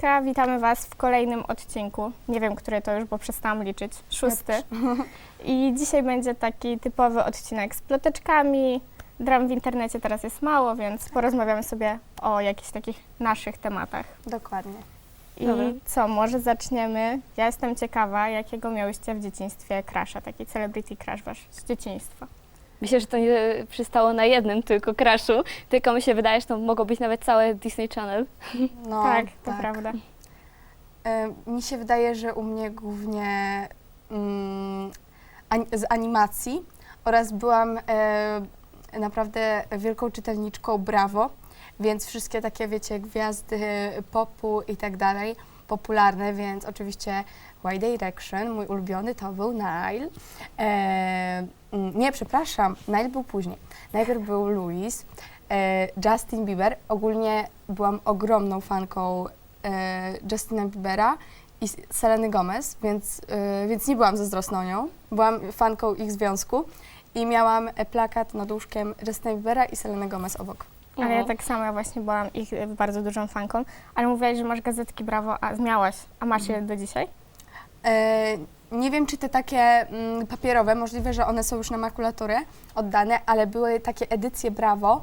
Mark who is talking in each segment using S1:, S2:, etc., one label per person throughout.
S1: Siemaneczka, witamy Was w kolejnym odcinku. Nie wiem, który to już, bo przestałam liczyć. 6. I dzisiaj będzie taki typowy odcinek z ploteczkami. Dram w internecie teraz jest mało, więc porozmawiamy sobie o jakichś takich naszych tematach.
S2: Dokładnie.
S1: I co, może zaczniemy? Ja jestem ciekawa, jakiego miałyście w dzieciństwie crusha, taki celebrity crush wasz z dzieciństwa.
S3: Myślę, że to nie przystało na jednym tylko crushu, tylko mi się wydaje, że to mogło być nawet całe Disney Channel.
S2: No,
S1: Tak, to prawda.
S2: Mi się wydaje, że u mnie głównie z animacji oraz byłam naprawdę wielką czytelniczką Bravo, więc wszystkie takie, wiecie, gwiazdy popu i tak dalej, popularne, więc oczywiście Y Direction, mój ulubiony to był Nile. Nie, przepraszam, Nile był później. Najpierw był Louis, Justin Bieber. Ogólnie byłam ogromną fanką Justina Biebera i Seleny Gomez, więc nie byłam zazdrosną nią. Byłam fanką ich związku i miałam plakat nad łóżkiem Justina Biebera i Seleny Gomez obok.
S1: Ale ja tak samo, ja właśnie byłam ich bardzo dużą fanką, ale mówiłaś, że masz gazetki Bravo, a miałaś, a masz je do dzisiaj?
S2: Nie wiem, czy te takie papierowe, możliwe, że one są już na makulaturę oddane, ale były takie edycje Bravo,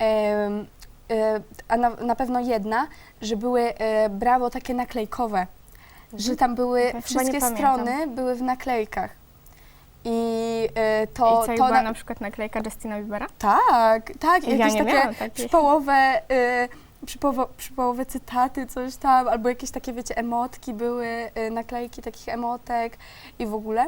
S2: a na pewno jedna, że były Bravo takie naklejkowe, że tam były
S1: Ja chyba
S2: wszystkie
S1: nie pamiętam.
S2: strony były w naklejkach. I
S1: I co,
S2: to
S1: była na przykład naklejka Justina Biebera?
S2: tak,
S1: Ja
S2: jakieś
S1: nie
S2: takie
S1: miałam takich.
S2: przypołowe cytaty, coś tam, albo jakieś takie, wiecie, emotki były, naklejki takich emotek i w ogóle,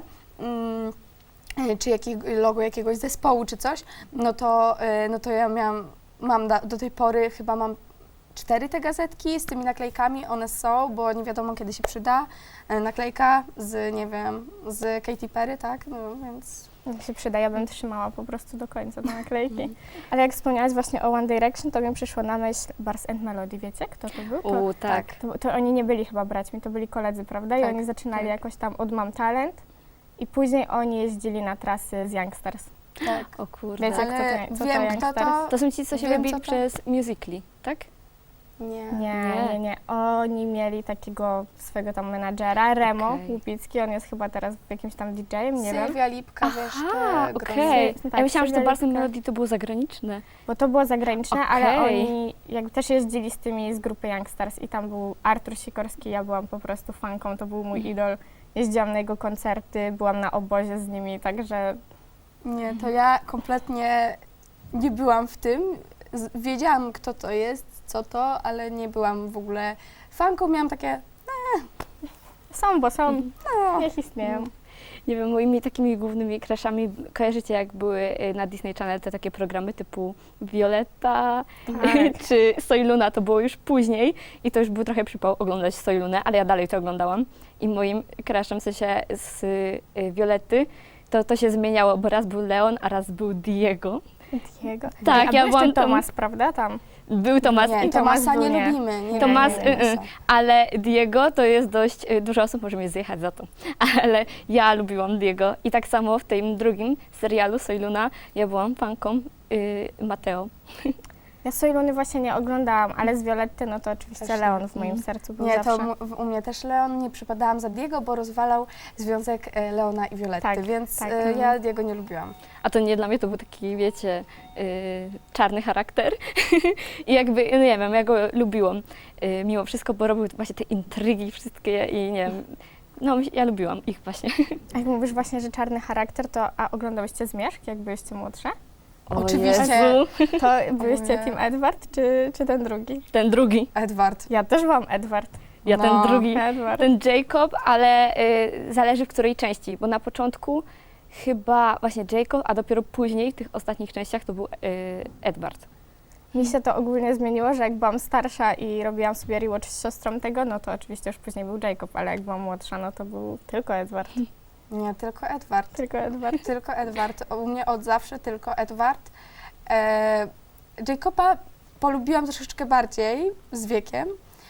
S2: czy logo jakiegoś zespołu, czy coś, no to ja mam do tej pory chyba mam 4 te gazetki z tymi naklejkami, one są, bo nie wiadomo kiedy się przyda, naklejka z, nie wiem, z Katy Perry, tak, no więc...
S1: Jak się przyda, ja bym trzymała po prostu do końca te naklejki. Ale jak wspomniałaś właśnie o One Direction, to mi przyszło na myśl Bars and Melody, wiecie kto to był?
S3: Tak.
S1: To oni nie byli chyba braćmi, to byli koledzy, prawda? I
S2: Tak,
S1: oni zaczynali
S2: tak.
S1: jakoś tam od Mam Talent i później oni jeździli na trasy z Youngsters.
S2: Tak.
S3: O kurde.
S1: Wiecie,
S2: Ale
S1: co to
S2: wiem,
S1: Youngsters?
S2: kto to...
S3: To są ci, co się
S2: Wiem,
S3: wybili
S2: co to-
S3: przez Musical.ly, tak?
S1: Nie. Oni mieli takiego swojego tam menadżera, Remo
S3: Okej.
S1: Łupicki, on jest chyba teraz jakimś tam DJ-em, nie wiem.
S2: Sylwia Lipka, wiesz,
S3: Aha,
S2: te
S3: okej.
S1: grozny.
S3: Ja myślałam, że to
S1: Sylwia
S3: Bars and
S1: Lipka.
S3: Melody to było zagraniczne.
S1: Bo to było zagraniczne, ale
S3: Okej.
S1: oni jakby też jeździli z tymi z grupy Youngsters i tam był Artur Sikorski, ja byłam po prostu fanką, to był mój idol. Jeździłam na jego koncerty, byłam na obozie z nimi, także
S2: Nie, to ja kompletnie nie byłam w tym. Wiedziałam, kto to jest, co to, ale nie byłam w ogóle fanką. Miałam takie,
S1: są, bo są,
S2: no,
S1: niech istnieją.
S3: Nie wiem, moimi takimi głównymi crashami kojarzycie, jak były na Disney Channel te takie programy typu Violetta
S1: Tak.
S3: czy Soy Luna, to było już później i to już był trochę przypał oglądać Soy Lunę, ale ja dalej to oglądałam i moim crashem, w sensie z Violetty, to się zmieniało, bo raz był Leon, a raz był Diego.
S1: Diego.
S3: Tak,
S1: A
S3: ja
S1: był
S3: byłam
S1: jeszcze
S3: tam-
S1: Tomas, prawda, tam?
S3: Był Tomas,
S2: nie,
S1: i Tomas
S2: Tomasa nie
S1: był nie.
S2: lubimy. Nie,
S3: Tomas,
S2: nie, Tomasa.
S3: ale Diego to jest dość, dużo osób może mnie zjechać za to, ale ja lubiłam Diego i tak samo w tym drugim serialu Soy Luna ja byłam fanką Mateo.
S1: Ja Sojluny właśnie nie oglądałam, ale z Violetty, no to oczywiście
S2: Też nie.
S1: Leon w moim sercu był
S2: Nie,
S1: zawsze.
S2: to u mnie też Leon, nie przypadałam za Diego, bo rozwalał związek Leona i Violetty,
S1: Tak,
S2: więc
S1: tak,
S2: ja Diego nie lubiłam.
S3: A to nie dla mnie to był taki, wiecie, czarny charakter i jakby, no nie wiem, ja go lubiłam mimo wszystko, bo robił właśnie te intrygi wszystkie i nie wiem, no ja lubiłam ich właśnie.
S1: A jak mówisz właśnie, że czarny charakter, to a oglądałyście Zmierzch, jak byliście młodsze?
S3: O
S2: Oczywiście.
S3: Jezu,
S1: To byliście
S2: nie.
S1: Team Edward, czy ten drugi?
S3: ten drugi,
S2: Edward.
S1: Ja też byłam Edward.
S3: ja
S2: No.
S3: ten drugi.
S1: Edward.
S3: Ten Jacob, ale zależy w której części, bo na początku chyba właśnie Jacob, a dopiero później w tych ostatnich częściach to był Edward.
S1: Mi się to ogólnie zmieniło, że jak byłam starsza i robiłam sobie rewatch z siostrą tego, no to oczywiście już później był Jacob, ale jak byłam młodsza, no to był tylko Edward.
S2: Nie, tylko Edward.
S1: Tylko Edward.
S2: Tylko Edward. U mnie od zawsze tylko Edward. Jacoba polubiłam troszeczkę bardziej z wiekiem,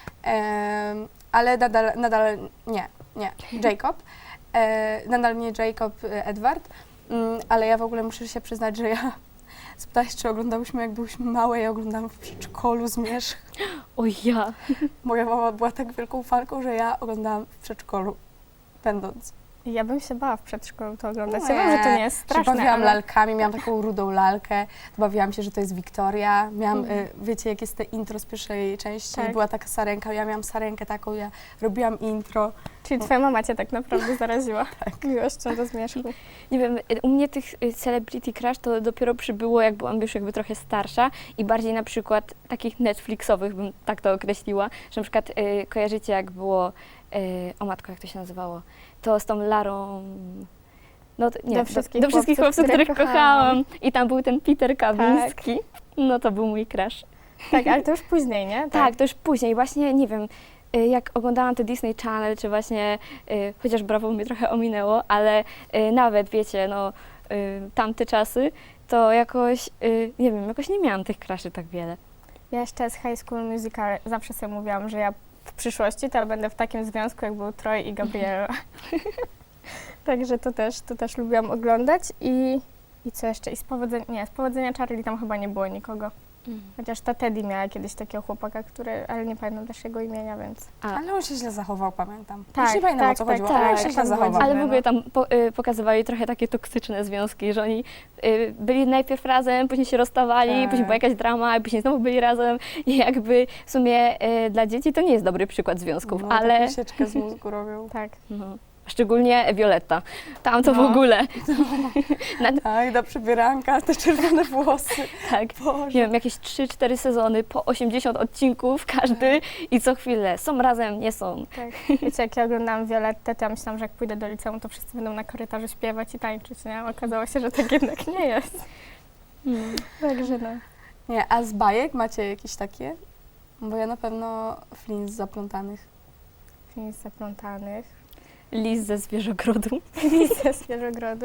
S2: ale nadal nie. Jacob. Nadal nie Jacob, Edward. Ale ja w ogóle muszę się przyznać, że ja spytałaś, czy oglądałyśmy jak byłyśmy małe, ja oglądałam w przedszkolu Zmierzch.
S3: Oj ja.
S2: Moja mama była tak wielką fanką, że ja oglądałam w przedszkolu, będąc.
S1: Ja bym się bała w przedszkolu to oglądać.
S2: Nie,
S1: Ja wiem, że to nie jest
S2: Się
S1: straszne,
S2: bawiłam
S1: ale
S2: lalkami, miałam taką rudą lalkę, bawiłam się, że to jest Wiktoria. Miałam,
S1: Mhm.
S2: wiecie, jak jest te intro z pierwszej części,
S1: Tak.
S2: była taka sarenka, ja miałam sarenkę taką, ja robiłam intro.
S1: czyli twoja mama cię tak naprawdę zaraziła
S2: Tak.
S1: miłością do zmierzchu.
S3: Nie wiem, u mnie tych celebrity crush to dopiero przybyło, jak byłam już jakby trochę starsza i bardziej na przykład takich Netflixowych, bym tak to określiła, że na przykład kojarzycie, jak było, o matko, jak to się nazywało, to z tą Larą, no to, nie,
S1: Do wszystkich
S3: do wszystkich chłopców, których kochałam. I tam był ten Peter Kawiński, no to był mój crush.
S1: Tak, ale to już później, nie?
S3: Tak, to już później, właśnie, nie wiem, jak oglądałam te Disney Channel, czy właśnie, chociaż Brawo mnie trochę ominęło, ale nawet, wiecie, no, tamte czasy, to jakoś, nie wiem, jakoś nie miałam tych cruszy tak wiele.
S1: Ja jeszcze z High School Musical zawsze sobie mówiłam, że ja w przyszłości to będę w takim związku, jak był Troy i Gabriela. Także to też lubiłam oglądać i co jeszcze? I z Powodzenia Charlie tam chyba nie było nikogo. Chociaż ta Teddy miała kiedyś takiego chłopaka, ale nie pamiętam też jego imienia, więc...
S2: Ale on się źle zachował, pamiętam.
S1: Tak,
S2: Już nie pamiętam,
S1: tak,
S2: o co
S1: tak,
S2: chodziło, ale on
S1: tak,
S2: się źle
S1: tam było
S2: zachował.
S3: Ale w
S1: no.
S3: ogóle tam pokazywali trochę takie toksyczne związki, że oni byli najpierw razem, później się rozstawali,
S2: Tak.
S3: później była jakaś drama, i później znowu byli razem i jakby w sumie dla dzieci to nie jest dobry przykład związków,
S2: No,
S3: ale...
S2: taką sieczkę z mózgu robią.
S1: Tak.
S3: No. Szczególnie Violetta. Tam to w
S1: No.
S3: ogóle.
S2: Tak, do przybieranka, te czerwone włosy.
S3: Tak.
S2: Boże.
S3: Nie wiem, jakieś 3-4 sezony, po 80 odcinków każdy i co chwilę są razem, nie są.
S1: Tak. Wiecie, jak ja oglądałam Violettę, to ja myślałam, że jak pójdę do liceum, to wszyscy będą na korytarzu śpiewać i tańczyć, nie? Okazało się, że tak jednak nie jest. Także no.
S2: Nie, a z bajek macie jakieś takie? Bo ja na pewno Flint z Zaplątanych.
S1: Film z Zaplątanych.
S3: Lis ze Zwierzogrodu.
S1: Lisa z Zwierzogrodu.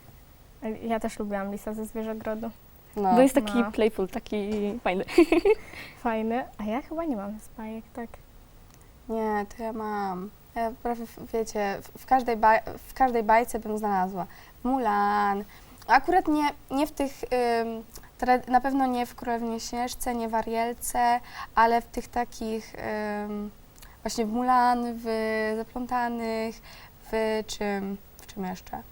S1: Ja też lubiłam Lisa ze Zwierzogrodu.
S2: No.
S3: Bo jest taki
S1: No.
S3: playful, taki fajny.
S1: Fajny. A ja chyba nie mam z bajek, tak.
S2: Nie, to ja mam. Ja prawie, wiecie, w każdej bajce bym znalazła. Mulan. Akurat nie w tych, na pewno nie w Królewnie Śnieżce, nie w Arielce, ale w tych takich, właśnie w Mulan, w Zaplątanych, w czym jeszcze?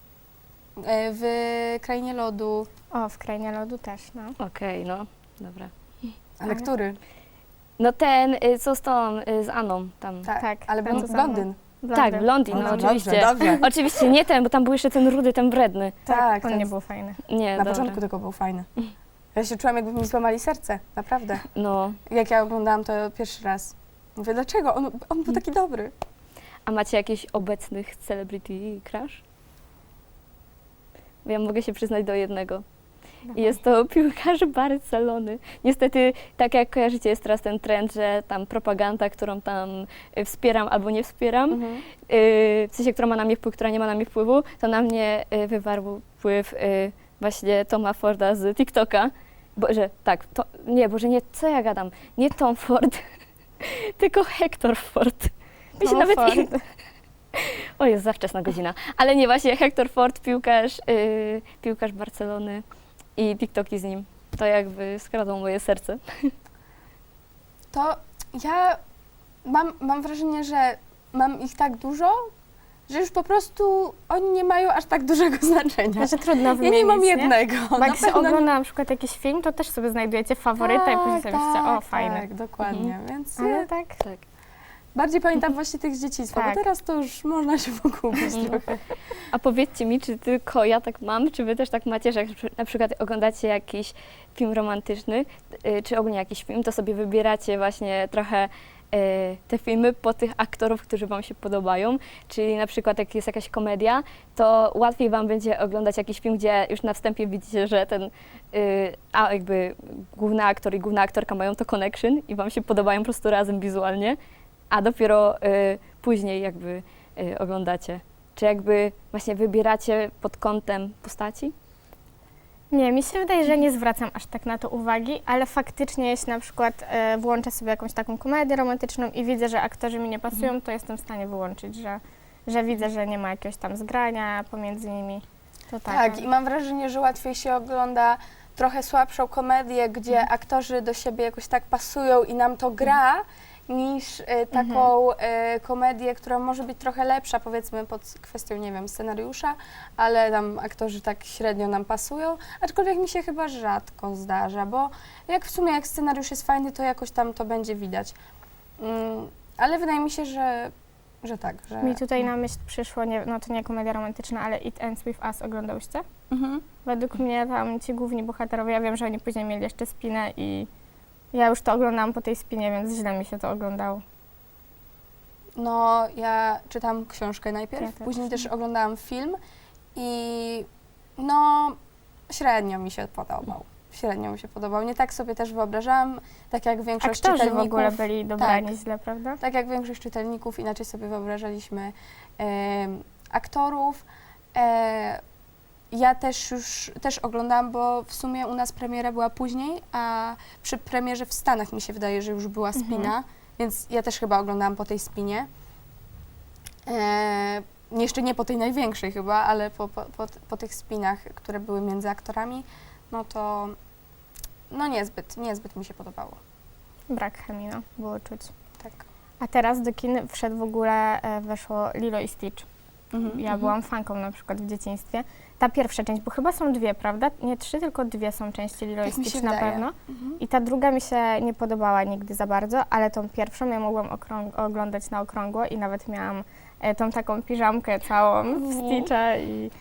S2: W Krainie Lodu.
S1: O, w Krainie Lodu też, no.
S3: Okej, no, dobra.
S2: Ale
S1: Ale-
S2: który?
S3: No ten, co z tą, z Anną tam.
S1: Tak,
S2: ale
S1: ten, co za
S2: blondyn.
S3: Tak, Blondin, no
S2: Dobrze,
S3: oczywiście.
S2: dobrze.
S3: Oczywiście nie ten, bo tam był jeszcze ten rudy, ten wredny.
S2: Tak,
S1: on
S2: ten
S1: nie był fajny.
S3: Nie,
S2: Na
S3: dobra.
S2: początku tylko był fajny. Ja się czułam, jakby mi złamali serce, naprawdę.
S3: No,
S2: Jak ja oglądałam to pierwszy raz. Mówię, dlaczego? On był taki dobry.
S3: a macie jakichś obecnych celebrity crush? Bo ja mogę się przyznać do jednego. I jest to piłkarz Barcelony. Niestety, tak jak kojarzycie, jest teraz ten trend, że tam propaganda, którą tam wspieram albo nie wspieram, w sensie, która ma na mnie wpływ, która nie ma na mnie wpływu, to na mnie wywarł wpływ właśnie Toma Forda z TikToka. Boże, tak, Boże, nie, co ja gadam? Nie Tom Ford, tylko Hector Ford. Mi się
S1: No,
S3: nawet
S1: Ford.
S3: O, jest za wczesna godzina. Ale nie, właśnie Hector Ford, piłkarz Barcelony i TikToki z nim. To jakby skradło moje serce.
S2: To ja mam wrażenie, że mam ich tak dużo, że już po prostu oni nie mają aż tak dużego znaczenia.
S1: Znaczy trudno
S2: Ja
S1: wymienić,
S2: nie mam jednego.
S1: Bo
S2: Na
S1: jak się
S2: pewno
S1: ogląda na przykład jakiś film, to też sobie znajdujecie faworyta i później sobie myślicie, o fajny.
S2: Tak, dokładnie. Więc
S1: Ale tak,
S3: Tak.
S2: bardziej pamiętam właśnie tych z dzieciństwa,
S1: Tak.
S2: bo teraz to już można się pogubić trochę.
S3: A powiedzcie mi, czy tylko ja tak mam, czy wy też tak macie, że jak na przykład oglądacie jakiś film romantyczny, czy ogólnie jakiś film, to sobie wybieracie właśnie trochę te filmy po tych aktorów, którzy wam się podobają, czyli na przykład jak jest jakaś komedia, to łatwiej wam będzie oglądać jakiś film, gdzie już na wstępie widzicie, że ten jakby główny aktor i główna aktorka mają to connection i wam się podobają po prostu razem wizualnie, a dopiero później jakby oglądacie. Czy jakby właśnie wybieracie pod kątem postaci?
S1: Nie, mi się wydaje, że nie zwracam aż tak na to uwagi, ale faktycznie jeśli na przykład włączę sobie jakąś taką komedię romantyczną i widzę, że aktorzy mi nie pasują, to jestem w stanie wyłączyć, że widzę, że nie ma jakiegoś tam zgrania pomiędzy nimi. To tak.
S2: Tak, i mam wrażenie, że łatwiej się ogląda trochę słabszą komedię, gdzie aktorzy do siebie jakoś tak pasują i nam to gra, niż taką komedię, która może być trochę lepsza, powiedzmy pod kwestią, nie wiem, scenariusza, ale tam aktorzy tak średnio nam pasują, aczkolwiek mi się chyba rzadko zdarza, bo jak w sumie jak scenariusz jest fajny, to jakoś tam to będzie widać. Ale wydaje mi się, że tak, że...
S1: Mi tutaj na myśl przyszło, nie, no to nie komedia romantyczna, ale It Ends With Us oglądałyście? Według mnie tam ci główni bohaterowie, ja wiem, że oni później mieli jeszcze spinę i ja już to oglądałam po tej spinie, więc źle mi się to oglądało.
S2: No, ja czytam książkę najpierw,
S1: Ja też.
S2: później też oglądałam film i no, średnio mi się podobał. Średnio mi się podobał. Nie tak sobie też wyobrażałam, tak jak większość
S1: Aktorzy w
S2: czytelników.
S1: ogóle byli dobrani
S2: tak.
S1: źle, prawda?
S2: Tak jak większość czytelników, inaczej sobie wyobrażaliśmy aktorów. Ja też oglądałam, bo w sumie u nas premiera była później, a przy premierze w Stanach mi się wydaje, że już była spina, więc ja też chyba oglądałam po tej spinie. Jeszcze nie po tej największej chyba, ale po tych spinach, które były między aktorami, no to no niezbyt mi się podobało.
S1: Brak chemii, no, było czuć.
S2: Tak.
S1: A teraz do kin wszedł w ogóle, weszło Lilo i Stitch. Ja byłam fanką na przykład w dzieciństwie. Ta pierwsza część, bo chyba są dwie, prawda? Nie 3, tylko 2 są części Lilo i
S2: Tak mi się
S1: Stitch na
S2: wydaje.
S1: pewno. I ta druga mi się nie podobała nigdy za bardzo, ale tą pierwszą ja mogłam oglądać na okrągło i nawet miałam tą taką piżamkę całą w Stitcha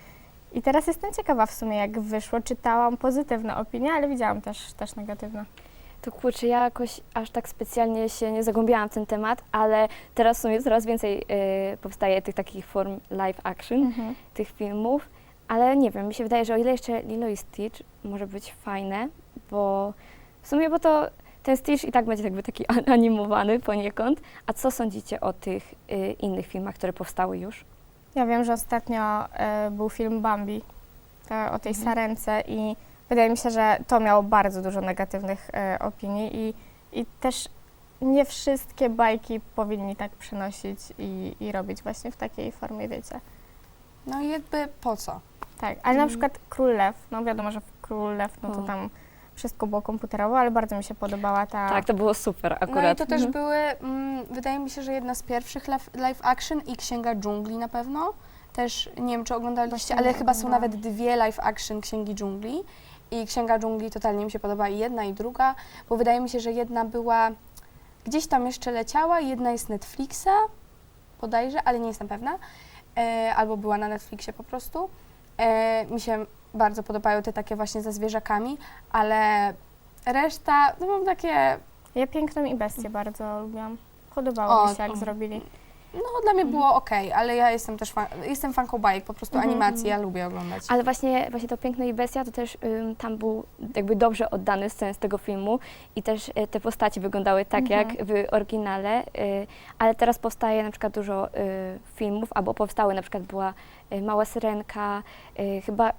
S1: i teraz jestem ciekawa w sumie jak wyszło. Czytałam pozytywne opinie, ale widziałam też negatywne.
S3: To kurczę, ja jakoś aż tak specjalnie się nie zagłębiałam w ten temat, ale teraz w sumie coraz więcej powstaje tych takich form live action, tych filmów, ale nie wiem, mi się wydaje, że o ile jeszcze Lilo i Stitch może być fajne, bo w sumie, bo to ten Stitch i tak będzie jakby taki animowany poniekąd. A co sądzicie o tych innych filmach, które powstały już?
S1: Ja wiem, że ostatnio był film Bambi o tej sarence i wydaje mi się, że to miało bardzo dużo negatywnych opinii i też nie wszystkie bajki powinni tak przenosić i robić właśnie w takiej formie, wiecie.
S2: No i jakby po co?
S1: Tak, ale na przykład Król Lew, no wiadomo, że w Król Lew, no to tam wszystko było komputerowo, ale bardzo mi się podobała ta...
S3: Tak, to było super akurat.
S2: No i to też były, wydaje mi się, że jedna z pierwszych live action i Księga Dżungli na pewno. Też nie wiem, czy oglądaliście,
S1: Właśnie
S2: ale
S1: nie
S2: chyba są
S1: oglądałam.
S2: nawet 2 live action Księgi Dżungli. I Księga Dżungli totalnie mi się podoba i jedna i druga, bo wydaje mi się, że jedna była gdzieś tam jeszcze leciała, jedna jest Netflixa bodajże, ale nie jestem pewna. Albo była na Netflixie po prostu. Mi się bardzo podobają te takie właśnie ze zwierzakami, ale reszta, no mam takie,
S1: Ja Piękną i Bestię bardzo lubiłam. Podobało mi się, jak zrobili.
S2: no dla mnie było okej, ale ja jestem też jestem fanką bajek, po prostu animacji, ja lubię oglądać.
S3: Ale właśnie to Piękne i Bestia to też tam był jakby dobrze oddany sens tego filmu i też te postaci wyglądały tak jak w oryginale, ale teraz powstaje na przykład dużo filmów, albo powstały, na przykład była Mała Syrenka, chyba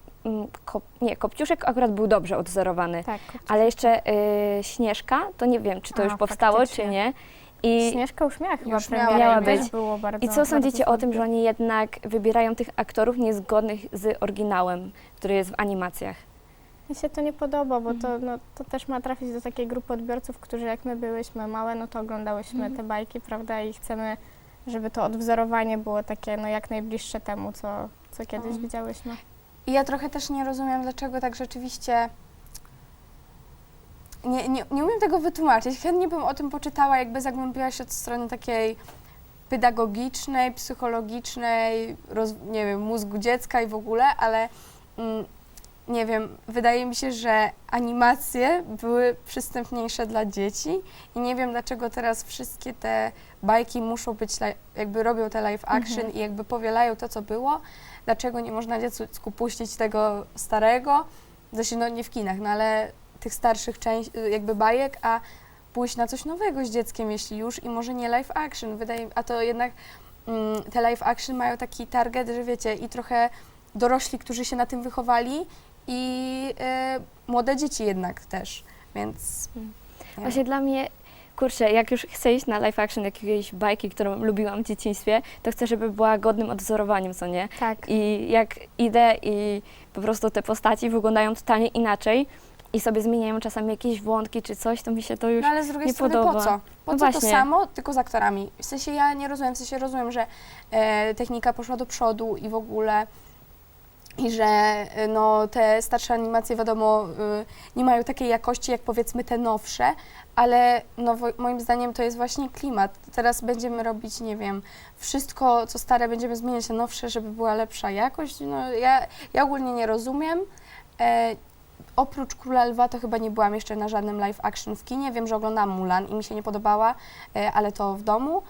S3: Kopciuszek akurat był dobrze odwzorowany,
S1: Tak.
S3: ale jeszcze Śnieżka, to nie wiem, czy to już powstało,
S1: faktycznie.
S3: czy nie. I
S1: Śnieżka już miała chyba
S2: Już
S1: premierę,
S3: miała
S1: i też
S3: być.
S1: było bardzo...
S3: I co sądzicie
S1: bardzo
S3: o tym, że oni jednak wybierają tych aktorów niezgodnych z oryginałem, który jest w animacjach?
S1: Mi się to nie podoba, bo to też ma trafić do takiej grupy odbiorców, którzy jak my byłyśmy małe, no to oglądałyśmy te bajki, prawda, i chcemy, żeby to odwzorowanie było takie no jak najbliższe temu, co kiedyś widziałyśmy.
S2: I ja trochę też nie rozumiem, dlaczego tak rzeczywiście... Nie umiem tego wytłumaczyć. Chętnie bym o tym poczytała, jakby zagłębiła się od strony takiej pedagogicznej, psychologicznej, nie wiem, mózgu dziecka i w ogóle, ale nie wiem, wydaje mi się, że animacje były przystępniejsze dla dzieci i nie wiem, dlaczego teraz wszystkie te bajki muszą być, jakby robią te live action i jakby powielają to, co było. Dlaczego nie można dziecku puścić tego starego, zresztą no nie w kinach, no ale tych starszych jakby bajek, a pójść na coś nowego z dzieckiem, jeśli już, i może nie live action. A to jednak te live action mają taki target, że wiecie, i trochę dorośli, którzy się na tym wychowali i młode dzieci jednak też, więc...
S3: Właśnie dla mnie, kurczę, jak już chcę iść na live action jakiejś bajki, którą lubiłam w dzieciństwie, to chcę, żeby była godnym odwzorowaniem, co nie?
S1: Tak.
S3: I jak idę i po prostu te postaci wyglądają totalnie inaczej, i sobie zmieniają czasami jakieś wątki czy coś, to mi się to już
S2: No ale z drugiej
S3: nie
S2: strony
S3: podoba.
S2: po co? Po
S3: No
S2: co to
S3: właśnie.
S2: samo, tylko z aktorami? W sensie ja nie rozumiem, w sensie rozumiem, że technika poszła do przodu i w ogóle i że no, te starsze animacje wiadomo nie mają takiej jakości jak powiedzmy te nowsze, ale no, moim zdaniem to jest właśnie klimat. Teraz będziemy robić, nie wiem, wszystko co stare będziemy zmieniać na nowsze, żeby była lepsza jakość. No, ja ogólnie nie rozumiem. Oprócz Króla Lwa to chyba nie byłam jeszcze na żadnym live action w kinie. Wiem, że oglądałam Mulan i mi się nie podobała, ale to w domu.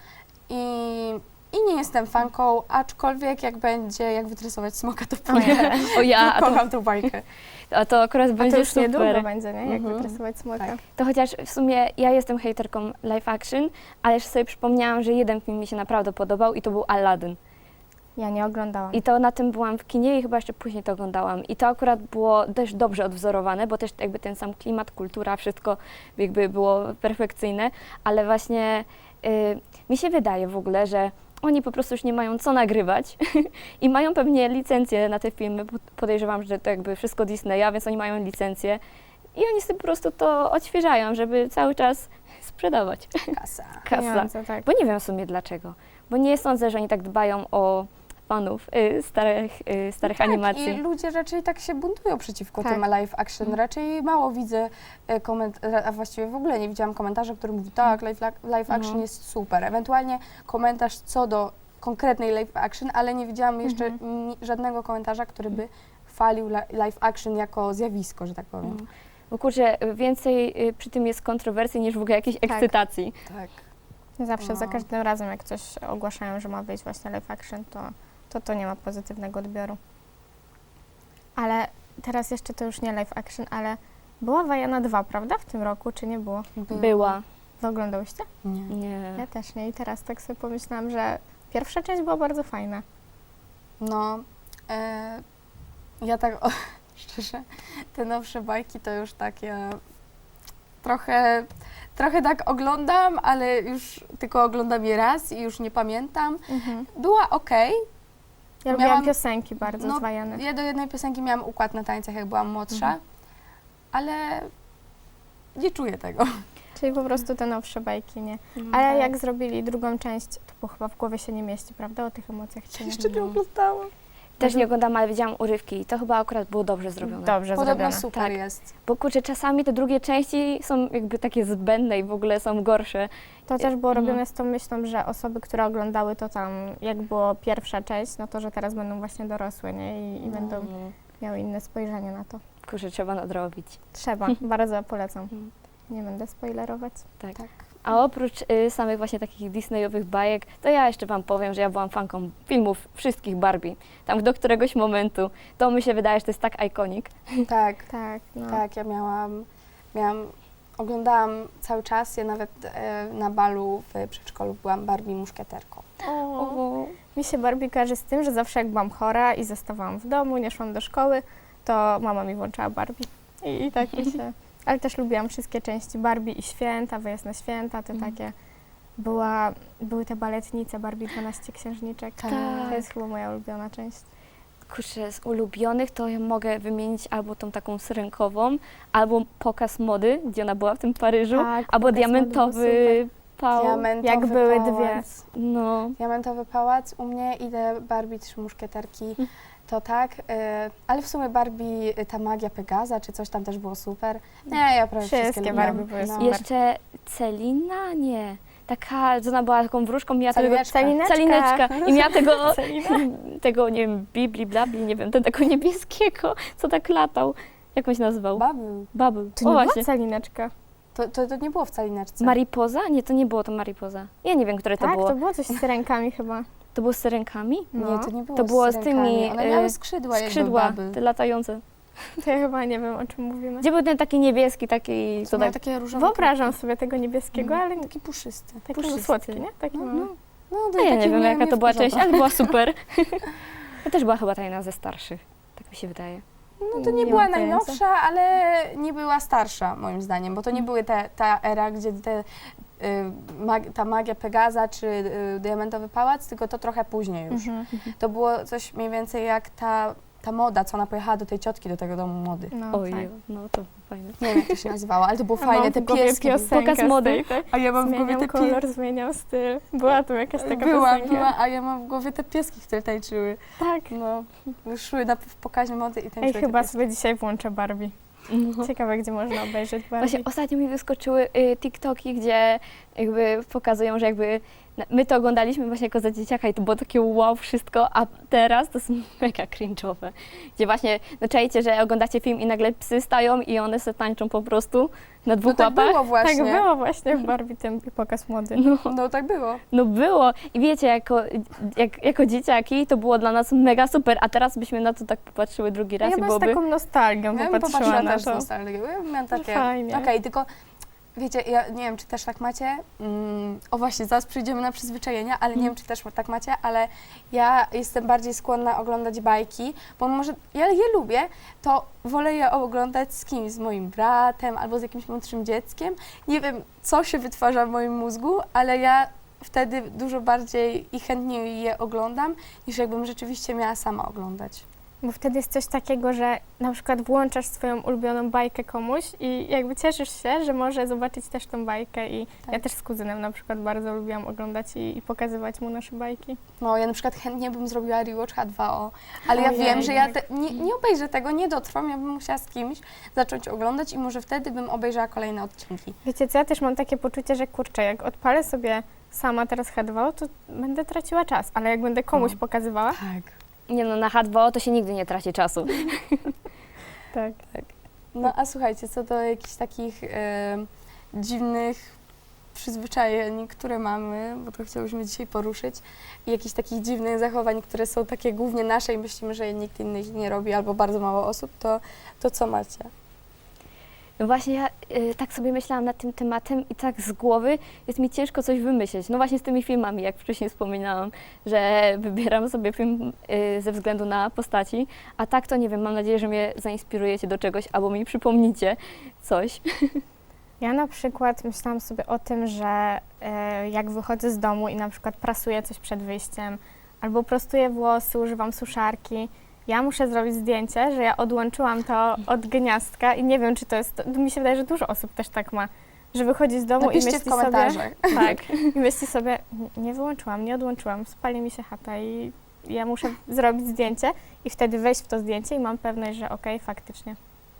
S2: I nie jestem fanką, aczkolwiek jak będzie, jak wytresować smoka, to pójdę.
S3: O ja,
S2: Kocham tą bajkę.
S3: a to akurat
S1: A to
S3: będzie
S1: już niedługo
S3: super.
S1: będzie, nie? Jak
S2: Mhm.
S1: wytresować smoka.
S2: Tak.
S3: To chociaż w sumie ja jestem hejterką live action, ale już sobie przypomniałam, że jeden film mi się naprawdę podobał i to był Aladdin.
S1: Ja nie oglądałam.
S3: I to na tym byłam w kinie i chyba jeszcze później to oglądałam. I to akurat było też dobrze odwzorowane, bo też jakby ten sam klimat, kultura, wszystko jakby było perfekcyjne, ale właśnie mi się wydaje w ogóle, że oni po prostu już nie mają co nagrywać i mają pewnie licencję na te filmy, bo podejrzewam, że to jakby wszystko Disneya, więc oni mają licencję i oni sobie po prostu to odświeżają, żeby cały czas sprzedawać.
S2: Kasa.
S3: Kasa.
S1: Pieniądze, tak.
S3: Bo nie wiem w sumie dlaczego, bo nie sądzę, że oni tak dbają o fanów starych
S2: Tak,
S3: animacji.
S2: i ludzie raczej tak się buntują przeciwko
S1: Tak.
S2: tym live action. Raczej mało widzę a właściwie w ogóle nie widziałam komentarza, który mówi tak, live action jest super. Ewentualnie komentarz co do konkretnej live action, ale nie widziałam jeszcze żadnego komentarza, który by chwalił live action jako zjawisko, że tak powiem.
S3: Bo kurczę, więcej przy tym jest kontrowersji niż w ogóle jakiejś ekscytacji.
S2: Tak.
S1: Zawsze, za
S2: No.
S1: każdym razem, jak coś ogłaszają, że ma wyjść właśnie live action, to nie ma pozytywnego odbioru. Ale teraz jeszcze to już nie live action, ale była Wajana 2, prawda? W tym roku, czy nie było?
S3: Była.
S1: Wy oglądałyście?
S2: Nie.
S3: Nie.
S1: Ja też nie. I teraz tak sobie pomyślałam, że pierwsza część była bardzo fajna.
S2: No, ja tak szczerze, te nowsze bajki to już takie trochę tak oglądam, ale już tylko oglądam je raz i już nie pamiętam. Była okej.
S1: Ja lubiłam
S2: Miałam-
S1: piosenki bardzo
S2: No,
S1: z Wajany.
S2: Ja do jednej piosenki miałam układ na tańcach, jak byłam młodsza, ale nie czuję tego.
S1: Czyli po prostu te nowsze bajki, nie?
S3: No.
S1: Ale jak zrobili drugą część, to było chyba w głowie się nie mieści, prawda? O tych emocjach się nie
S2: Jeszcze nie oglądałam.
S3: Też nie oglądam, ale widziałam urywki i to chyba akurat było dobrze zrobione.
S1: Dobrze
S2: Podobno
S1: zrobione.
S2: super
S3: Tak.
S2: jest.
S3: Bo kurczę, czasami te drugie części są jakby takie zbędne i w ogóle są gorsze.
S1: To też było
S3: No.
S1: robione z tą myślą, że osoby, które oglądały to tam, jak było pierwsza część, no to, że teraz będą właśnie dorosłe, nie? I będą miały inne spojrzenie na to.
S3: Kurczę, trzeba nadrobić.
S1: Trzeba, bardzo polecam.
S3: Mhm.
S1: Nie będę spoilerować.
S3: Tak.
S2: Tak.
S3: A oprócz samych właśnie takich Disneyowych bajek, to ja jeszcze Wam powiem, że ja byłam fanką filmów wszystkich Barbie. Tam do któregoś momentu, to mi się wydaje, że to jest tak iconic.
S2: Tak,
S1: Tak, no.
S2: tak, ja oglądałam cały czas, ja nawet na balu w przedszkolu byłam Barbie muszkieterką.
S1: Mi się Barbie kojarzy z tym, że zawsze jak byłam chora i zostawałam w domu, nie szłam do szkoły, to mama mi włączała Barbie. I tak mi się... Ale też lubiłam wszystkie części Barbie i święta, wyjazd na święta, te takie... Były te baletnice Barbie 12 księżniczek.
S2: Tak.
S1: To jest chyba moja ulubiona część.
S3: Kurczę, z ulubionych to ja mogę wymienić albo tą taką syrenkową, albo pokaz mody, gdzie ona była w tym Paryżu,
S1: Tak,
S3: albo
S1: pokaz
S3: diamentowy pał.
S2: Diamentowy
S1: Jak były
S2: pałac.
S1: dwie.
S3: No,
S2: Diamentowy pałac u mnie i te Barbie 3 muszkieterki, to tak, ale w sumie Barbie, ta magia Pegaza czy coś tam też było super. Nie, ja prawie
S1: Wszystkie
S2: wszystkie
S1: Barbie
S2: lubiłam.
S1: były
S2: No.
S1: super.
S3: jeszcze Celina? Nie. Taka, co ona była taką wróżką, miała tego...
S2: Calineczka.
S3: Calineczka. I miała tego,
S1: Celina.
S3: tego, nie wiem, bibli, blabli, nie wiem, tego niebieskiego, co tak latał. Jak on się nazywał?
S2: Bubble.
S3: Bubble.
S1: To
S3: O,
S1: nie
S3: właśnie.
S1: była Calineczka.
S2: To nie było w Calineczce.
S3: Maripoza? Nie, to nie było to Maripoza. Ja nie wiem, które to
S1: Tak,
S3: było.
S1: to było coś z rękami chyba.
S3: To było z syrenkami?
S1: No.
S2: Nie, to nie było
S3: To było z
S2: syrenkami.
S3: tymi,
S2: One miały skrzydła,
S3: Skrzydła,
S2: jakby
S3: te
S2: Bubble.
S3: latające.
S1: To ja chyba nie wiem, o czym mówimy.
S3: Gdzie był ten taki niebieski, taki...
S2: To
S3: Co
S2: miały
S3: tak,
S2: takie różowe
S1: Wyobrażam sobie tego niebieskiego, ale
S2: taki puszysty.
S1: taki
S3: puszysty.
S1: słodki, nie? Taki
S2: No,
S1: mały.
S2: No,
S3: no ja nie
S2: taki
S3: wiem,
S2: mnie-
S3: jaka
S2: mnie
S3: to była
S2: wkurza
S3: część, ale była super. To też była chyba ta jedna ze starszych. Tak mi się wydaje.
S2: No to nie
S1: Nie
S2: była
S1: mam pojęcia.
S2: najnowsza, ale nie była starsza moim zdaniem, bo to nie były ta era, gdzie ta magia Pegaza czy Diamentowy Pałac, tylko to trochę później już.
S1: Mhm.
S2: To było coś mniej więcej jak ta ta moda, co ona pojechała do tej ciotki, do tego domu mody.
S1: No,
S3: Oj,
S1: tak.
S3: no to fajne.
S2: Nie wiem, jak to się nazywało, ale to było
S1: Ja
S2: fajne,
S1: mam
S2: te
S1: w głowie
S2: pieski.
S1: piosenkę
S3: Pokaz
S1: z
S3: mody.
S1: tej, tak?
S2: A ja mam w głowie
S1: Zmieniał
S2: te
S1: kolor, zmieniał styl. Była tu jakaś taka
S2: była,
S1: piosenka.
S2: a ja mam w głowie te pieski, które tańczyły.
S1: Tak.
S2: No, szły w pokazie mody i tańczyły
S1: Ej,
S2: te
S1: chyba
S2: pieski.
S1: sobie dzisiaj włączę Barbie.
S3: No.
S1: Ciekawe, gdzie można obejrzeć Barbie.
S3: Właśnie ostatnio mi wyskoczyły TikToki, gdzie jakby pokazują, że jakby my to oglądaliśmy właśnie jako za dzieciaka i to było takie wow wszystko, a teraz to jest mega cringe'owe. Gdzie właśnie, no czajcie, że oglądacie film i nagle psy stają i one se tańczą po prostu na dwóch
S2: No tak
S3: łapach.
S2: było właśnie.
S1: Tak było właśnie w Barbie ten pokaz mody.
S2: No tak było.
S3: No było i wiecie, jako dzieciaki to było dla nas mega super, a teraz byśmy na to tak popatrzyły drugi raz
S1: Ja
S3: i
S1: chyba z
S3: byłoby...
S1: taką nostalgią
S2: Ja bym
S1: popatrzyła
S2: popatrzyła
S1: na
S2: też z
S1: to.
S2: nostalgią. Ja miałam takie,
S1: Fajnie.
S2: okej, tylko wiecie, ja nie wiem, czy też tak macie, o właśnie, zaraz przyjdziemy na przyzwyczajenia, ale nie wiem, czy też tak macie, ale ja jestem bardziej skłonna oglądać bajki, bo może ja je lubię, to wolę je oglądać z kimś, z moim bratem albo z jakimś młodszym dzieckiem. Nie wiem, co się wytwarza w moim mózgu, ale ja wtedy dużo bardziej i chętniej je oglądam, niż jakbym rzeczywiście miała sama oglądać.
S1: Bo wtedy jest coś takiego, że na przykład włączasz swoją ulubioną bajkę komuś i jakby cieszysz się, że może zobaczyć też tą bajkę i
S2: Tak.
S1: ja też z kuzynem na przykład bardzo lubiłam oglądać i pokazywać mu nasze bajki.
S2: No, ja na przykład chętnie bym zrobiła rewatch H2O, ale ja
S1: Ojej,
S2: wiem, że ja
S1: tak.
S2: nie obejrzę tego, nie dotrwam, ja bym musiała z kimś zacząć oglądać i może wtedy bym obejrzała kolejne odcinki.
S1: Wiecie co, ja też mam takie poczucie, że kurczę, jak odpalę sobie sama teraz H2O, to będę traciła czas, ale jak będę komuś
S2: No.
S1: pokazywała,
S2: Tak.
S3: Nie no, na H2O to się nigdy nie traci czasu.
S1: tak.
S2: No a słuchajcie, co do jakichś takich dziwnych przyzwyczajeń, które mamy, bo to chciałyśmy dzisiaj poruszyć, i jakichś takich dziwnych zachowań, które są takie głównie nasze i myślimy, że nikt inny ich nie robi albo bardzo mało osób, to co macie?
S3: No właśnie ja tak sobie myślałam nad tym tematem i tak z głowy jest mi ciężko coś wymyśleć. No właśnie z tymi filmami, jak wcześniej wspominałam, że wybieram sobie film ze względu na postaci, a tak to nie wiem, mam nadzieję, że mnie zainspirujecie do czegoś albo mi przypomnicie coś.
S1: Ja na przykład myślałam sobie o tym, że jak wychodzę z domu i na przykład prasuję coś przed wyjściem albo prostuję włosy, używam suszarki, ja muszę zrobić zdjęcie, że ja odłączyłam to od gniazdka i nie wiem, czy to jest, mi się wydaje, że dużo osób też tak ma, że wychodzi z domu
S2: Napiszcie
S1: i
S2: w
S1: myśli sobie,
S2: komentarzach.
S1: tak, i myśli sobie, nie wyłączyłam, nie odłączyłam, spali mi się chata i ja muszę zrobić zdjęcie i wtedy wejść w to zdjęcie i mam pewność, że okej, faktycznie.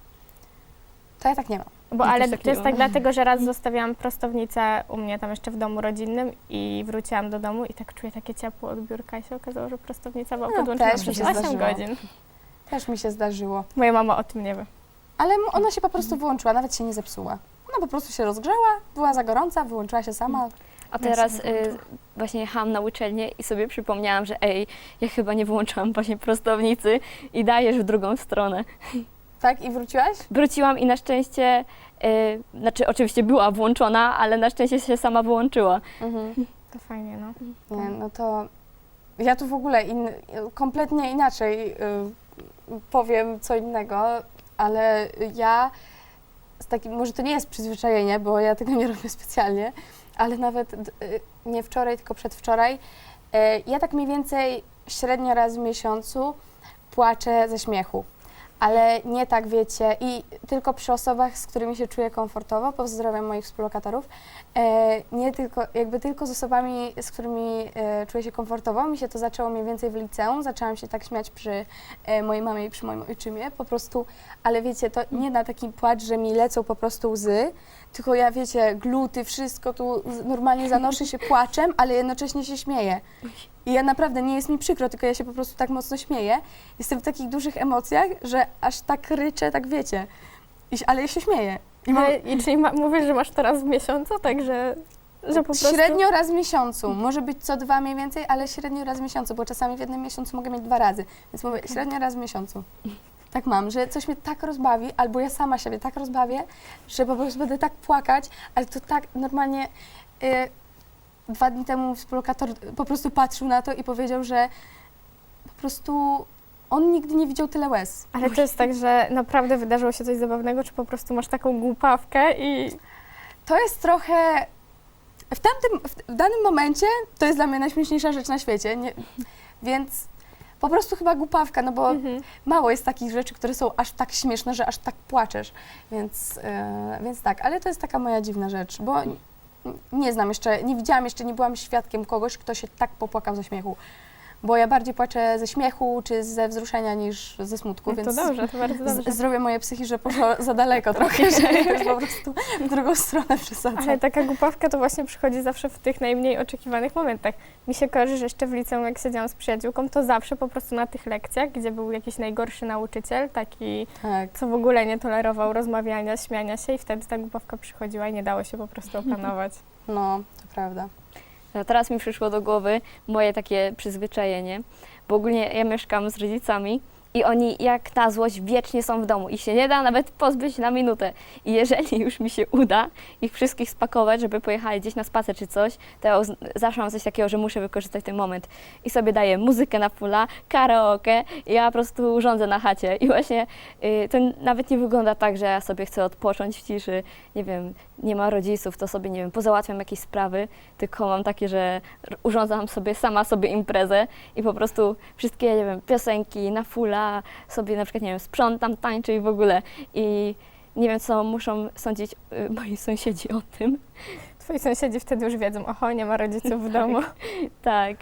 S2: To ja tak nie mam.
S1: Bo
S3: Ja
S1: ale
S3: też tak
S1: to
S3: nie
S1: jest
S3: mam.
S1: tak dlatego, że raz zostawiałam prostownicę u mnie tam jeszcze w domu rodzinnym i wróciłam do domu i tak czuję takie ciepło od biurka i się okazało, że prostownica była
S2: No,
S1: podłączona
S2: też mi
S1: przez
S2: się
S1: 8
S2: zdarzyło.
S1: godzin.
S2: Też mi się zdarzyło.
S1: Moja mama o tym nie wie.
S2: Ale ona się po prostu wyłączyła, nawet się nie zepsuła. Ona po prostu się rozgrzała, była za gorąca, wyłączyła się sama.
S3: A teraz właśnie jechałam na uczelnię i sobie przypomniałam, że ja chyba nie wyłączyłam właśnie prostownicy i dajesz w drugą stronę.
S2: Tak? I wróciłaś?
S3: Wróciłam i na szczęście, znaczy oczywiście była włączona, ale na szczęście się sama wyłączyła.
S2: Mhm.
S1: To fajnie, no.
S2: Nie, no to ja tu w ogóle kompletnie inaczej powiem co innego, ale ja z takim, może to nie jest przyzwyczajenie, bo ja tego nie robię specjalnie, ale nawet nie wczoraj, tylko przedwczoraj, ja tak mniej więcej średnio raz w miesiącu płaczę ze śmiechu. Ale nie tak, wiecie, i tylko przy osobach, z którymi się czuję komfortowo, pozdrawiam moich współlokatorów, nie tylko, jakby tylko z osobami, z którymi czuję się komfortowo. Mi się to zaczęło mniej więcej w liceum, zaczęłam się tak śmiać przy mojej mamie i przy moim ojczymie, po prostu, ale wiecie, to nie na taki płacz, że mi lecą po prostu łzy, tylko ja, wiecie, gluty, wszystko tu normalnie zanoszę się płaczem, ale jednocześnie się śmieję. I ja naprawdę, nie jest mi przykro, tylko ja się po prostu tak mocno śmieję. Jestem w takich dużych emocjach, że aż tak ryczę, tak wiecie. Ale ja się śmieję. I mam
S1: Czyli mówisz, że masz teraz w miesiącu, także że po prostu...
S2: średnio raz w miesiącu. Może być co 2 mniej więcej, ale średnio raz w miesiącu, bo czasami w jednym miesiącu mogę mieć 2 razy. Więc mówię, średnio raz w miesiącu. Tak mam, że coś mnie tak rozbawi, albo ja sama siebie tak rozbawię, że po prostu będę tak płakać, ale to tak normalnie... 2 dni temu współlokator po prostu patrzył na to i powiedział, że po prostu on nigdy nie widział tyle łez.
S1: Ale to jest tak, że naprawdę wydarzyło się coś zabawnego, czy po prostu masz taką głupawkę i...
S2: To jest trochę... W danym momencie to jest dla mnie najśmieszniejsza rzecz na świecie, więc po prostu chyba głupawka, no bo mało jest takich rzeczy, które są aż tak śmieszne, że aż tak płaczesz, więc tak, ale to jest taka moja dziwna rzecz, bo nie znam jeszcze, nie widziałam jeszcze, nie byłam świadkiem kogoś, kto się tak popłakał ze śmiechu. Bo ja bardziej płaczę ze śmiechu czy ze wzruszenia niż ze smutku,
S1: No
S2: więc
S1: to dobrze, to bardzo dobrze.
S2: zdrowie moje psychiczne poszło za daleko trochę, że już po prostu w drugą stronę przesadzam.
S1: Ale taka głupawka to właśnie przychodzi zawsze w tych najmniej oczekiwanych momentach. Mi się kojarzy, że jeszcze w liceum, jak siedziałam z przyjaciółką, to zawsze po prostu na tych lekcjach, gdzie był jakiś najgorszy nauczyciel, taki,
S2: Tak.
S1: co w ogóle nie tolerował rozmawiania, śmiania się i wtedy ta głupawka przychodziła i nie dało się po prostu opanować.
S2: No, to prawda.
S3: No, teraz mi przyszło do głowy moje takie przyzwyczajenie, bo ogólnie ja mieszkam z rodzicami i oni jak na złość wiecznie są w domu i się nie da nawet pozbyć na minutę. I jeżeli już mi się uda ich wszystkich spakować, żeby pojechali gdzieś na spacer czy coś, to ja zawsze mam coś takiego, że muszę wykorzystać ten moment. I sobie daję muzykę na fulla, karaoke i ja po prostu rządzę na chacie. I właśnie to nawet nie wygląda tak, że ja sobie chcę odpocząć w ciszy, nie wiem, nie ma rodziców, to sobie, nie wiem, pozałatwiam jakieś sprawy, tylko mam takie, że urządzam sobie sama sobie imprezę i po prostu wszystkie, nie wiem, piosenki na fulla, sobie na przykład, nie wiem, sprzątam, tańczę i w ogóle. I nie wiem, co muszą sądzić moi sąsiedzi o tym.
S1: Twoi sąsiedzi wtedy już wiedzą, oho, nie ma rodziców w domu.
S3: Tak.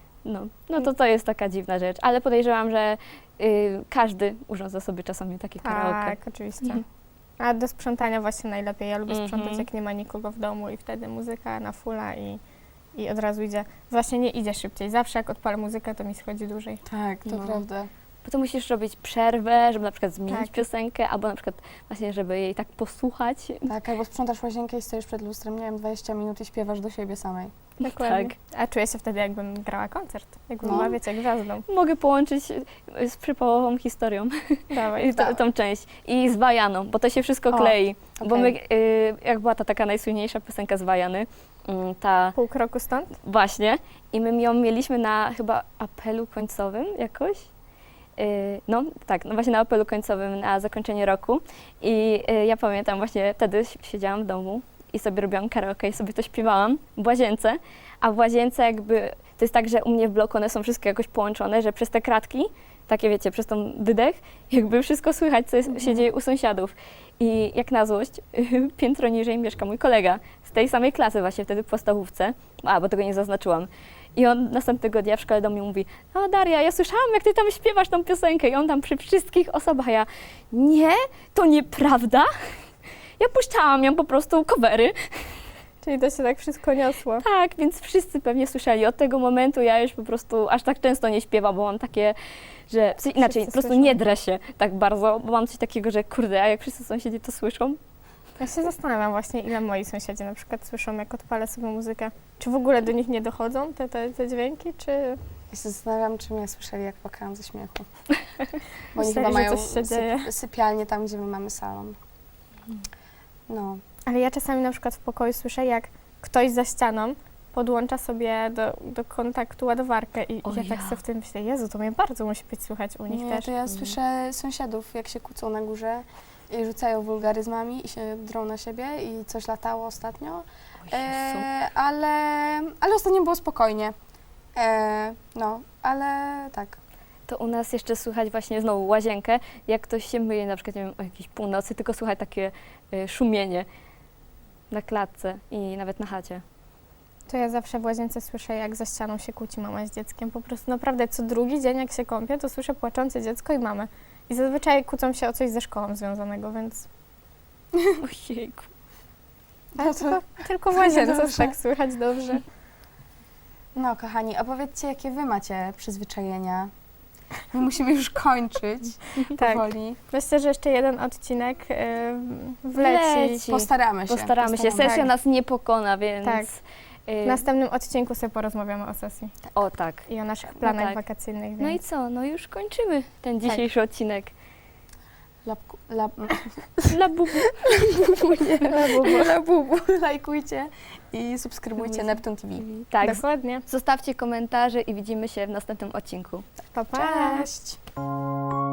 S3: No to jest taka dziwna rzecz, ale podejrzewam, że każdy urządza sobie czasami takie karaoke.
S1: Tak, oczywiście. A do sprzątania właśnie najlepiej. Ja lubię sprzątać,
S3: Mhm.
S1: jak nie ma nikogo w domu i wtedy muzyka na fulla i od razu idzie. Właśnie nie idzie szybciej. Zawsze jak odpalę muzykę, to mi schodzi dłużej.
S2: Tak, to
S3: No.
S2: prawda.
S3: Bo to musisz robić przerwę, żeby na przykład zmienić
S1: Tak.
S3: piosenkę, albo na przykład właśnie, żeby jej tak posłuchać.
S2: Tak, albo sprzątasz łazienkę i stoisz przed lustrem, nie wiem, 20 minut i śpiewasz do siebie samej.
S1: Dokładnie. A czuję się wtedy, jakbym grała koncert. Jakbym
S2: No.
S1: była, wiecie, gwiazdą.
S3: Mogę połączyć z przypałową historią
S1: Dawaj.
S3: tą część i z Wajaną, bo to się wszystko
S2: O,
S3: klei. Bo my,
S2: okej.
S3: jak była ta taka najsłynniejsza piosenka z Wajany, ta
S1: Pół kroku stąd?
S3: właśnie, i my ją mieliśmy na chyba apelu końcowym jakoś. No tak, no właśnie na apelu końcowym na zakończenie roku i ja pamiętam właśnie wtedy siedziałam w domu i sobie robiłam karaoke i sobie to śpiewałam w łazience, a w łazience jakby to jest tak, że u mnie w bloku one są wszystkie jakoś połączone, że przez te kratki, takie wiecie, przez tą wydech, jakby wszystko słychać, co się dzieje u sąsiadów. I jak na złość, piętro niżej mieszka mój kolega z tej samej klasy właśnie wtedy w podstawówce, bo tego nie zaznaczyłam. I on następnego dnia w szkole do mnie mówi: "O Daria, ja słyszałam, jak ty tam śpiewasz tą piosenkę." I on tam przy wszystkich osobach, a ja: "Nie, to nieprawda. Ja puszczałam ją po prostu covery."
S1: Czyli to się tak wszystko niosło.
S3: Tak, więc wszyscy pewnie słyszeli. Od tego momentu ja już po prostu aż tak często nie śpiewam, bo mam takie, że inaczej, po prostu
S1: słyszą.
S3: nie drę się tak bardzo, bo mam coś takiego, że kurde, a jak wszyscy sąsiedzi to słyszą?
S1: Ja się zastanawiam właśnie, ile moi sąsiedzi na przykład słyszą, jak odpalę sobie muzykę. Czy w ogóle do nich nie dochodzą te dźwięki, czy...
S2: Ja się zastanawiam, czy mnie słyszeli, jak płakałam ze śmiechu. Bo oni
S1: Myśleli,
S2: chyba
S1: że
S2: mają
S1: coś się dzieje.
S2: sypialnię tam, gdzie my mamy salon. No.
S1: Ale ja czasami na przykład w pokoju słyszę, jak ktoś za ścianą podłącza sobie do kontaktu ładowarkę i
S3: O
S1: ja tak
S3: ja.
S1: sobie wtedy myślę, Jezu, to mnie bardzo musi być słychać u nich
S2: Nie,
S1: też.
S2: to ja słyszę sąsiadów, jak się kłócą na górze i rzucają wulgaryzmami i się drą na siebie i coś latało ostatnio. Ale ostatnio było spokojnie. No, ale tak.
S3: To u nas jeszcze słychać właśnie znowu łazienkę, jak ktoś się myje na przykład, nie wiem, o jakiejś północy, tylko słychać takie szumienie na klatce i nawet na chacie.
S1: To ja zawsze w łazience słyszę, jak za ścianą się kłóci mama z dzieckiem. Po prostu naprawdę co drugi dzień, jak się kąpię, to słyszę płaczące dziecko i mamę. I zazwyczaj kłócą się o coś ze szkołą związanego, więc...
S3: Ojejku.
S1: Ale
S2: to-
S1: tylko w
S2: to
S1: łazience
S2: dobrze.
S1: tak słychać dobrze.
S2: No, kochani, opowiedzcie, jakie wy macie przyzwyczajenia. My musimy już kończyć
S1: Tak.
S2: powoli.
S1: Myślę, że jeszcze jeden odcinek wleci.
S3: Wleci.
S2: Postaramy się.
S3: Postaramy się. Sesja
S1: Tak.
S3: nas nie pokona, więc...
S1: Tak. W następnym odcinku sobie porozmawiamy o sesji
S3: O tak.
S1: i o naszych planach
S3: tak.
S1: wakacyjnych.
S3: No i
S1: Więc...
S3: co? No już kończymy ten dzisiejszy odcinek. Labubu.
S2: Labubu. Lajkujcie i subskrybujcie Neptun TV.
S3: Tak.
S1: Dokładnie.
S3: Zostawcie komentarze i widzimy się w następnym odcinku.
S1: Pa, pa.
S2: Cześć!